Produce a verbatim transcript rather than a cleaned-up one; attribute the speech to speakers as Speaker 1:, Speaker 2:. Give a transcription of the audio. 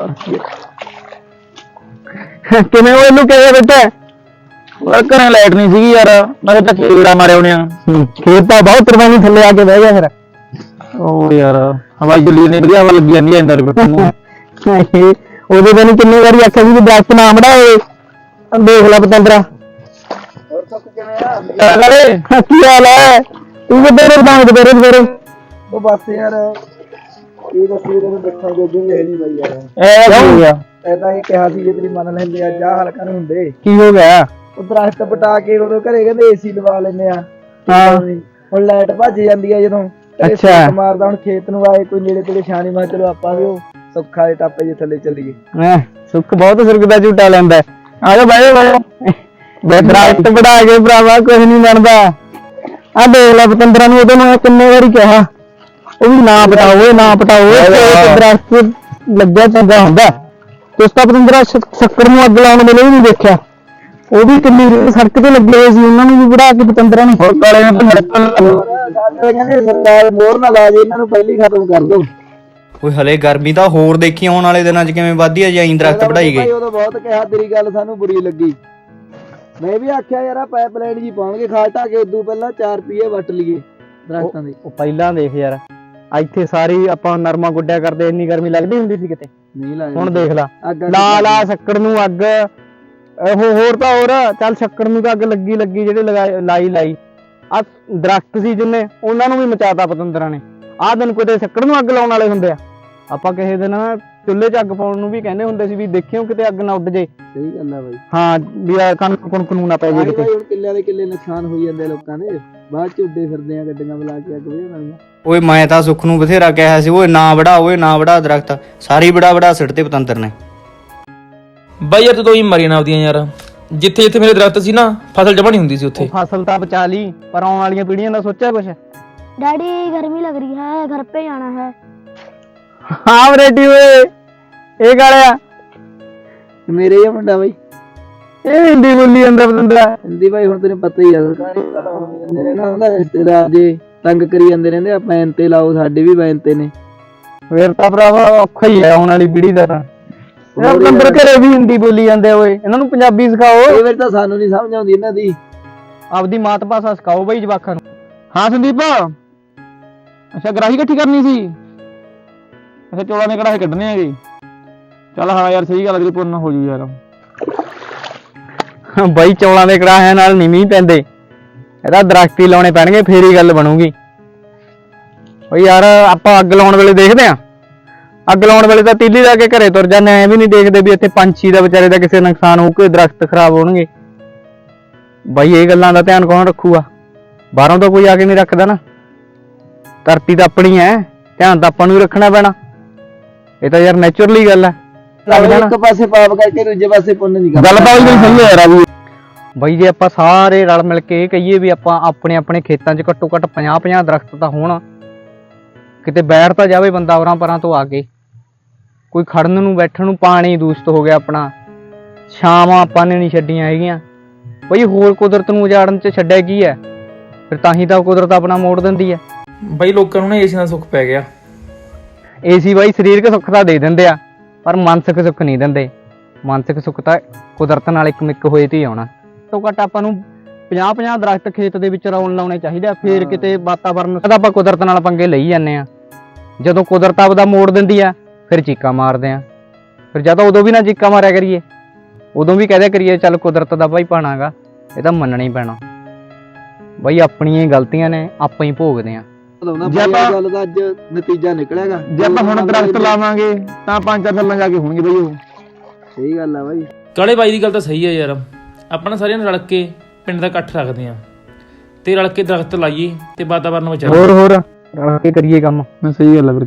Speaker 1: ਕਿਵੇਂ ਉਹ ਇਹਨੂੰ ਕਿਹਾ ਬੇਟਾ ਘਰੇ ਲਾਈਟ ਨਹੀਂ ਸੀਗੀ ਯਾਰ, ਮੈਂ ਤਾਂ ਕੀੜਾ ਮਾਰਿਆ ਉਹਨੇ। ਖੇਤ ਤਾਂ ਬਹੁਤ ਤਰਵਾਨੀ ਥੱਲੇ ਆ ਕੇ ਬਹਿ ਗਿਆ ਫਿਰ। ਉਹ ਯਾਰ ਹਵਾ ਜੁਲੀ ਨੇ ਵਧੀਆ ਹਵਾ ਲੱਗੀ ਜਾਂਦੀ ਐ ਅੰਦਰ ਬੈਠਣ ਨੂੰ। ਉਹਦੇ ਦਿਨ ਕਿੰਨੀ ਵਾਰੀ ਆਖਿਆ ਸੀ ਕਿ ਦਰਖਤ ਨਾ ਵੜਾਏ। ਦੇਖ ਲੈ ਪਤੰਦਰਾ।
Speaker 2: ਹੋਰ ਸੁੱਖ ਕਿਵੇਂ ਆ?
Speaker 1: ਕੀ ਹਾਲ ਹੈ? ਤੂੰ ਕਿੱਧਰ ਰਦਾਂਗ ਦੁਪਹਿਰੇ ਦੁਪਹਿਰੇ?
Speaker 2: ਉਹ ਬਸ ਯਾਰ ਕੀ ਦੱਸੀ ਤੈਨੂੰ ਦੇਖਾਂ ਜੋਗੀ ਵੇਖ ਨਹੀਂ ਬਈ ਯਾਰ।
Speaker 1: ਇਹ ਕੀ ਹੋ ਗਿਆ?
Speaker 2: ਐਦਾਂ ਹੀ ਕਿਹਾ ਸੀ ਜੇ ਤੇਰੀ ਮੰਨ ਲੈਂਦੇ ਆ ਜਾ ਹਲਕਾ ਨੂੰ ਹੁੰਦੇ।
Speaker 1: ਕੀ ਹੋ ਗਿਆ?
Speaker 2: ਉਹ ਦਰਖਤ ਪਟਾ ਕੇ ਉਦੋਂ ਘਰੇ ਕਹਿੰਦੇ ਏਸੀ ਲਵਾ ਲੈਨੇ ਆ।
Speaker 1: ਹਾਂ
Speaker 2: ਹੁਣ ਲਾਈਟ ਭੱਜ ਜਾਂਦੀ ਆ ਜਦੋਂ।
Speaker 1: ਅੱਛਾ
Speaker 2: ਮਾਰਦਾ ਹੁਣ ਖੇਤ ਨੂੰ ਆਏ ਕੋਈ ਨੇੜੇ ਤੇੜੇ ਛਾਣੀ ਮਾਰ ਚਲੋ ਆਪਾਂ ਵੀ ਉਹ ਸੁੱਖਾ ਦੇ ਟਾਪੇ ਜੇ ਥੱਲੇ ਚੱਲੀਏ।
Speaker 1: ਹੈਂ ਸੁੱਖ ਬਹੁਤ ਸੁਰਗ ਦਾ ਝੂਟਾ ਲੈਂਦਾ। ਆ ਜਾ ਬਹਿ ਜਾ ਬਹਿ ਦਰਖਤ ਪਟਾ ਕੇ ਭਰਾਵਾ ਕੁਝ ਨਹੀਂ ਬਣਦਾ। ਆ ਦੇਖ ਲੈ ਪਤੰਦਰਾਂ ਨੂੰ ਉਹਦੇ ਨੂੰ ਕਿੰਨੇ ਵਾਰੀ ਕਿਹਾ ਉਹ ਵੀ ਨਾ ਪਟਾਓ ਨਾ ਪਟਾਓ। ਦਰਖਤ ਲੱਗਿਆ ਚੰਗਾ ਹੁੰਦਾ। ਉਸ ਤਾਂ ਪਤੰਦਰਾ ਸ਼ੱਕਰ ਨੂੰ ਅੱਗ ਲਾਉਣ ਵੇਲੇ ਵੀ ਨਹੀਂ ਦੇਖਿਆ। ਉਹ ਵੀ ਕਿੰਨੀ ਸੜਕ ਤੇ ਲੱਗੇ ਹੋਏ ਸੀ, ਉਹਨਾਂ ਨੂੰ ਵੀ ਵੜਾ ਕੇ ਪਤੰਦਰਾਂ ਨੂੰ ਹੋਰ ਕਾਲੇ ਕਹਿੰਦੇ ਸਰਕਾਰ ਮੋਹਰ ਨਾ ਲਾ ਜੇ ਇਹਨਾਂ ਨੂੰ ਪਹਿਲੀ ਖਤਮ ਕਰ ਦੋ।
Speaker 3: ਓਏ ਹਲੇ ਗਰਮੀ ਤਾਂ ਹੋਰ ਦੇਖੀ ਆਉਣ ਵਾਲੇ ਦਿਨਾਂ 'ਚ ਕਿਵੇਂ ਵਧਦੀ ਆ ਜੇ ਐਂ ਦਰਖਤ ਵਢਾਈ ਗਏ।
Speaker 2: ਉਦੋਂ ਬਹੁਤ ਕਿਹਾ ਤੇਰੀ ਗੱਲ ਸਾਨੂੰ ਬੁਰੀ ਲੱਗੀ। ਮੈਂ ਵੀ ਆਖਿਆ ਯਾਰ ਪਾਈਪਲਾਈਨ ਜੀ ਪਾਉਣਗੇ ਖਾਦ ਢਾ ਕੇ ਉਦੋਂ ਪਹਿਲਾਂ ਚਾਰ ਰੁਪਏ ਵੱਟ ਲਈਏ ਦਰਖਤਾਂ ਦੇ।
Speaker 1: ਉਹ ਪਹਿਲਾਂ ਦੇਖ ਯਾਰ ਇੱਥੇ ਸਾਰੀ ਆਪਾਂ ਨਰਮਾ ਗੁੱਡਿਆ ਕਰਦੇ ਇੰਨੀ ਗਰਮੀ ਲੱਗਦੀ ਹੁੰਦੀ ਸੀ ਕਿਤੇ?
Speaker 2: ਨਹੀਂ ਲੱਗਦੀ।
Speaker 1: ਹੁਣ ਦੇਖ ਲਾ ਲਾ ਲਾ ਸ਼ੱਕਰ ਨੂੰ ਅੱਗ। ਉਹ ਹੋਰ ਤਾਂ ਹੋਰ ਚੱਲ ਸ਼ੱਕਰ ਨੂੰ ਤਾਂ ਅੱਗ ਲੱਗੀ ਲੱਗੀ ਜਿਹੜੇ ਲਗਾਈ ਲਾਈ ਲਾਈ ਆ ਦਰਖਤ ਸੀ ਜਿੰਨੇ ਉਹਨਾਂ ਨੂੰ ਵੀ ਮਚਾਤਾ ਪਤੰਦਰਾਂ ਨੇ। ਆਹ ਦਿਨ ਕਿਤੇ ਸ਼ੱਕਰ ਨੂੰ ਅੱਗ ਲਾਉਣ ਵਾਲੇ ਹੁੰਦੇ ਆ। ਆਪਾਂ ਕਿਸੇ ਦਿਨ ਚੁੱਲ੍ਹੇ 'ਚ ਅੱਗ ਪਾਉਣ ਨੂੰ ਵੀ ਕਹਿੰਦੇ ਹੁੰਦੇ ਸੀ ਵੀ ਦੇਖਿਓ ਕਿਤੇ ਅੱਗ ਨਾ ਉੱਡ ਜੇ।
Speaker 2: ਸਹੀ ਗੱਲ ਆ ਬਾਈ।
Speaker 1: ਹਾਂ ਵੀ ਕਣਕ ਕੁਣਕ ਨੂੰ ਨਾ ਪੈ ਜੇ ਕਿਤੇ।
Speaker 2: ਹੁਣ ਕਿੱਲਿਆਂ ਦੇ ਕਿੱਲੇ ਨੁਕਸਾਨ ਹੋਈ ਜਾਂਦੇ ਲੋਕਾਂ ਦੇ, ਬਾਅਦ ਚ ਉੱਡੇ ਫਿਰਦੇ ਆ ਗੱਡੀਆਂ ਬੁਲਾ ਕੇ ਅੱਗ ਵੇ ਨਾਲ।
Speaker 3: ਓਏ ਮੈਂ ਤਾਂ ਸੁੱਖ ਨੂੰ ਬਥੇਰਾ ਕਿਹਾ ਸੀ ਓਏ ਨਾ ਵੜਾ ਓਏ ਨਾ ਵੜਾ ਦਰਖਤ, ਸਾਰੀ ਬੜਾ ਬੜਾ ਸਿੱਟ ਤੇ ਪਤੰਦਰ ਨੇ।
Speaker 4: ਬਾਈ ਯਾਰ ਤੂੰ ਹੀ ਮਰੀ ਨਾ ਆਪਦੀਆਂ ਯਾਰ। ਜਿੱਥੇ ਜਿੱਥੇ ਮੇਰੇ ਦਰਖਤ ਸੀ ਨਾ ਫਸਲ ਜਮਾ ਨਹੀਂ ਹੁੰਦੀ ਸੀ ਉੱਥੇ।
Speaker 1: ਫਸਲ ਤਾਂ ਬਚਾ ਲਈ ਪਰ ਆਉਣ ਵਾਲੀਆਂ ਪੀੜ੍ਹੀਆਂ ਦਾ ਸੋਚਿਆ ਕੁਛ?
Speaker 5: डैडी गर्मी लग रही है, घर पे जाना है।
Speaker 1: हाँ बेटी ਓਏ ਇਹ ਗਾਲਿਆ
Speaker 2: ਮੇਰੇ ਹੀ ਮੁੰਡਾ ਬਾਈ।
Speaker 1: ਇਹ ਹਿੰਦੀ ਬੋਲੀ ਜਾਂਦਾ ਪਤੰਦਰਾ।
Speaker 2: ਹਿੰਦੀ ਬਾਈ ਹੁਣ ਤੈਨੂੰ ਪਤਾ ਹੀ ਆ ਰਿਸ਼ਤੇਦਾਰ ਜੇ ਤੰਗ ਕਰੀ ਜਾਂਦੇ ਰਹਿੰਦੇ ਆ ਪੈਨ ਤੇ ਲਾਓ, ਸਾਡੇ ਵੀ ਪੈਨ ਤੇ ਨੇ।
Speaker 1: ਫੇਰ ਤਾਂ ਭਰਾਵਾ ਔਖਾ ਹੀ ਹੈ ਆਉਣ ਵਾਲੀ ਪੀੜ੍ਹੀ ਦਾ ਤਾਂ। ਇਹ ਪਤੰਦਰ ਘਰੇ ਵੀ ਹਿੰਦੀ ਬੋਲੀ ਜਾਂਦੇ ਓਏ, ਇਹਨਾਂ ਨੂੰ ਪੰਜਾਬੀ ਸਿਖਾਓ।
Speaker 2: ਇਹ ਵਾਰ ਤਾਂ ਸਾਨੂੰ ਨੀ ਸਮਝ ਆਉਂਦੀ ਇਹਨਾਂ ਦੀ।
Speaker 1: ਆਪਦੀ ਮਾਤ ਭਾਸ਼ਾ ਸਿਖਾਓ ਬਈ ਜਵਾਕਾਂ ਨੂੰ। ਹਾਂ ਸੰਦੀਪ ਅੱਛਾ ਗਰਾਹੀ ਇਕੱਠੀ ਕਰਨੀ ਸੀ। ਅੱਛਾ ਚੌਲਾਂ ਦੇ ਕੜਾਹੇ ਕੱਢਣੇ ਹੈਗੇ। ਚੱਲ ਹਾਂ ਯਾਰ ਸਹੀ ਗੱਲ, ਅਗਲੀ ਪੁੰਨ ਹੋ ਜੂ ਯਾਰ। ਬਾਈ ਚੌਲਾਂ ਦੇ ਕੜਾਹਿਆਂ ਨਾਲ ਨੀ ਮੀਂਹ ਪੈਂਦੇ, ਇਹਦਾ ਦਰਖਤ ਹੀ ਲਾਉਣੇ ਪੈਣਗੇ ਫੇਰ ਹੀ ਗੱਲ ਬਣੂਗੀ। ਬਈ ਯਾਰ ਆਪਾਂ ਅੱਗ ਲਾਉਣ ਵੇਲੇ ਦੇਖਦੇ ਆਂ, ਅੱਗ ਲਾਉਣ ਵੇਲੇ ਤਾਂ ਤੀਲੀ ਲਾ ਕੇ ਘਰੇ ਤੁਰ ਜਾਂਦੇ, ਐ ਵੀ ਨੀ ਦੇਖਦੇ ਵੀ ਇੱਥੇ ਪੰਛੀ ਦਾ ਵਿਚਾਰੇ ਦਾ ਕਿਸੇ ਨੁਕਸਾਨ ਹੋਊ, ਕੋਈ ਦਰਖਤ ਖਰਾਬ ਹੋਣਗੇ। ਬਾਈ ਇਹ ਗੱਲਾਂ ਦਾ ਧਿਆਨ ਕੌਣ ਰੱਖੂਗਾ? ਬਾਹਰੋਂ ਤਾਂ ਕੋਈ ਆ ਕੇ ਨੀ ਰੱਖਦਾ ਨਾ। ਧਰਤੀ ਤਾਂ ਆਪਣੀ ਐ, ਧਿਆਨ ਤਾਂ ਆਪਾਂ ਨੂੰ ਹੀ ਰੱਖਣਾ ਪੈਣਾ। ਇਹ ਤਾਂ ਯਾਰ ਨੈਚੁਰਲੀ ਗੱਲ ਐ।
Speaker 2: ਇੱਕ ਪਾਸੇ ਪਾਪ ਕਰਕੇ ਦੂਜੇ ਪਾਸੇ ਪੁੰਨ ਨਹੀਂ ਕਰਦਾ।
Speaker 1: ਗੱਲ ਤਾਂ ਉਹੀ ਸਹੀ ਹੈ ਯਾਰ। ਬਾਈ ਜੇ ਆਪਾਂ ਸਾਰੇ ਰਲ ਮਿਲ ਕੇ ਇਹ ਕਹੀਏ ਵੀ ਆਪਾਂ ਆਪਣੇ ਆਪਣੇ ਖੇਤਾਂ 'ਚ ਘੱਟੋ ਘੱਟ ਪੰਜਾਹ ਪੰਜਾਹ ਦਰਖਤ ਤਾਂ ਹੋਣ, ਕਿਤੇ ਬੈਠ ਤਾਂ ਜਾਵੇ ਬੰਦਾ ਉਰਾਂ ਪਰਾਂ ਤੋਂ ਆ ਕੇ। ਕੋਈ ਖੜਨ ਨੂੰ ਬੈਠਣ ਨੂੰ ਪਾਣੀ ਦੂਸ਼ਿਤ ਹੋ ਗਿਆ ਆਪਣਾ, ਛਾਵਾਂ ਆਪਾਂ ਨੇ ਨਹੀਂ ਛੱਡੀਆਂ ਹੈਗੀਆਂ। ਬਈ ਹੋਰ ਕੁਦਰਤ ਨੂੰ ਉਜਾੜਨ 'ਚ ਛੱਡਿਆ ਕੀ ਹੈ? ਫਿਰ ਤਾਂ ਹੀ ਤਾਂ ਕੁਦਰਤ ਆਪਣਾ ਮੋੜ ਦਿੰਦੀ ਹੈ।
Speaker 4: ਬਾਈ ਲੋਕਾਂ ਨੂੰ ਨਾ ਏਸੀ ਦਾ ਸੁੱਖ ਪੈ ਗਿਆ।
Speaker 1: ਏਸੀ ਬਾਈ ਸਰੀਰਕ ਸੁੱਖ ਤਾਂ ਦੇ ਦਿੰਦੇ ਆ ਪਰ ਮਾਨਸਿਕ ਸੁੱਖ ਨਹੀਂ ਦਿੰਦੇ। ਮਾਨਸਿਕ ਸੁੱਖ ਤਾਂ ਕੁਦਰਤ ਨਾਲ ਇੱਕ ਮਿੱਕ ਹੋਏ ਤੇ ਹੀ ਆਉਣਾ। ਘੱਟੋ ਘੱਟ ਆਪਾਂ ਨੂੰ ਪੰਜਾਹ ਪੰਜਾਹ ਦਰਖਤ ਖੇਤ ਦੇ ਵਿੱਚ ਲਾਉਣ ਲਾਉਣੇ ਚਾਹੀਦੇ ਆ, ਫੇਰ ਕਿਤੇ ਵਾਤਾਵਰਨ ਦਾ ਆਪਾਂ ਕੁਦਰਤ ਨਾਲ ਪੰਗੇ ਲਈ ਜਾਂਦੇ ਆ। ਜਦੋਂ ਕੁਦਰਤ ਆਪਦਾ ਮੋੜ ਦਿੰਦੀ ਆ ਫਿਰ ਚੀਕਾਂ ਮਾਰਦੇ ਆ। ਫਿਰ ਜਦੋਂ ਉਦੋਂ ਵੀ ਨਾ ਚੀਕਾਂ ਮਾਰਿਆ ਕਰੀਏ, ਉਦੋਂ ਵੀ ਕਹਦਿਆ ਕਰੀਏ ਚੱਲ ਕੁਦਰਤ ਦਾ ਭਾਈ ਭਾਣਾਗਾ, ਇਹ ਤਾਂ ਮੰਨਣਾ ਹੀ ਪੈਣਾ। ਬਾਈ ਆਪਣੀਆਂ ਗਲਤੀਆਂ ਨੇ, ਆਪਾਂ ਹੀ ਭੋਗਦੇ ਆ।
Speaker 2: ਗੱਲ ਦਾ ਅੱਜ ਨਤੀਜਾ ਨਿਕਲੇਗਾ।
Speaker 1: ਜੇ ਆਪਾਂ ਹੁਣ ਦਰਖਤ ਲਾਵਾਂਗੇ ਤਾਂ ਪੰਜ ਚਾਰ ਸਾਲਾਂ ਜਾ ਕੇ ਹੋਣਗੇ ਬਾਈ ਉਹ।
Speaker 2: ਸਹੀ ਗੱਲ ਆ ਬਾਈ।
Speaker 4: ਕਾਲੇ ਬਾਈ ਦੀ ਗੱਲ ਤਾਂ ਸਹੀ ਹੈ ਯਾਰ। ਆਪਾਂ ਨਾ ਸਾਰਿਆਂ ਨੇ ਰਲ ਕੇ ਪਿੰਡ ਦਾ ਇਕੱਠ ਰੱਖਦੇ ਆ ਤੇ ਰਲ ਕੇ ਦਰਖਤ ਲਾਈਏ ਤੇ ਵਾਤਾਵਰਨ ਬਚਾਈਏ।
Speaker 1: ਹੋਰ ਹੋਰ ਰਲ ਕੇ ਕਰੀਏ ਕੰਮ। ਸਹੀ ਗੱਲ ਹੈ।